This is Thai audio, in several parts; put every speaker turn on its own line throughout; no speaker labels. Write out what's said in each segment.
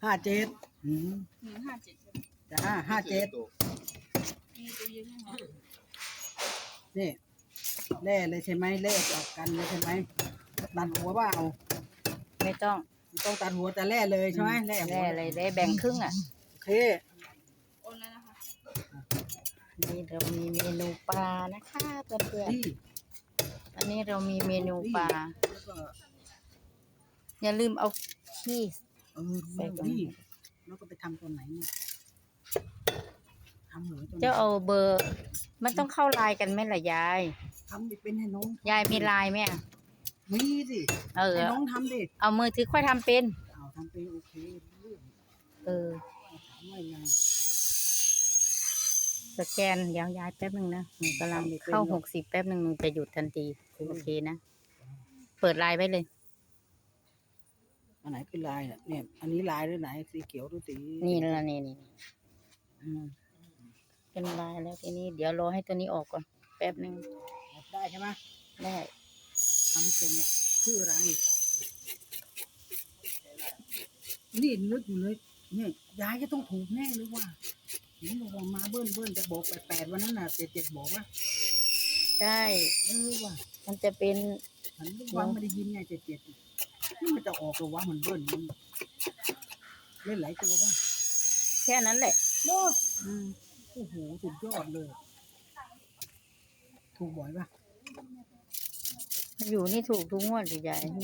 57
157ใช่ไหม
จ้า57
มีตัวยืนไหมคะ
นี่แล่เลยใช่ไหมแล่ออกกันเลยใช่ไหมตัดหัวว่าเอา
ไม่ต้อง
ต้องตัดหัวแต่แล่เลยใช่ไหมแล่หั
แล่
ว
เลยได้แบ่งครึ่งอ่ะ
โอเค
โอนแล้วนะคะ
นี่เรามีเมนูปลานะคะเพื่อน
นี่
ๆอันนี้เรามีเมนูปลา
แล้วก็
อย่าลืมเอาขี้
ใส่ตรงนี้แล้วก็ไปทำตอนไหนเนี่ยทำเหรอตอนไหน
เจ้าเอาเบอร์ มันต้องเข้าไลน์กันไหมล่ะยาย
ทำไปเป็นให้น้อง
ยายมีไลน์ไหมอะ
มีสิ
เออ
ให้น้องทำดิ
เอามือถือค่อยทำเป็น
เอาทำเป็นโอเคเรื่อง
เออ
ถามว่ายังไง
สแกนเดี๋ยวยายแป๊บหนึ่งนะหนูกำลังเข้า60แป๊บหนึ่งหนูจะหยุดทันทีโอเคนะ เปิดไลน์ไว้เลย
อันไหนคือลายเนี่ยอันนี้ลายหรือไหนสีเขียวหรือสี
นี่ละนี่
อืม
เป็นไลน์แล้วทีนี้เดี๋ยวรอให้ตัวนี้ออกก่อนแป๊บหนึ่ง
ได้ใช่ไหม
ได้
ทำไม่เป็นเนี่ยชื่ออะไรนี่นึกอยู่เลยเนี่ยยายก็ต้องถูกแน่เลยว่าเห็นบอกว่ามาเบิ้ลจะบอก88วันนั้นน่ะ77บอกว่า
ใช่
ว่า
มันจะเป็น
ฉันวันไม่ได้ยินไง77นี่มันจะออกหรือวะมันเบิ้ลมันเล่นหลายตัวป่ะ
แค่นั้นแหละ
โอ้โอ้โหสุดยอดเลย ถูกบ่อยป่ะ
อยู่นี่ถูกทุกงวดเลยยาย
โอ้โห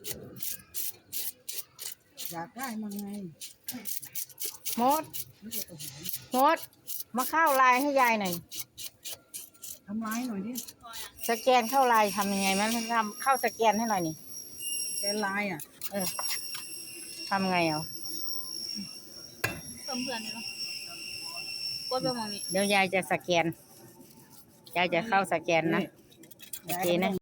อยากได้มาไง
มด
ไม่ใช่ตัวหอม
มด มาเข้าไลน์ให้ยายหน่อย
ทำร้ายหน่อยดิ
สแกนเข้าไลน์ทำยังไงมันทำเข้าสแกนให้หน่อยนี่
แกนลายอ่ะ
เออทำไงเอา
เพิ่มเพื่อนเลยเนาะกดไปมองนี้
เดี๋ยวยายจะสแกน ยายจะเข้าสแกนนะ โอเคนะ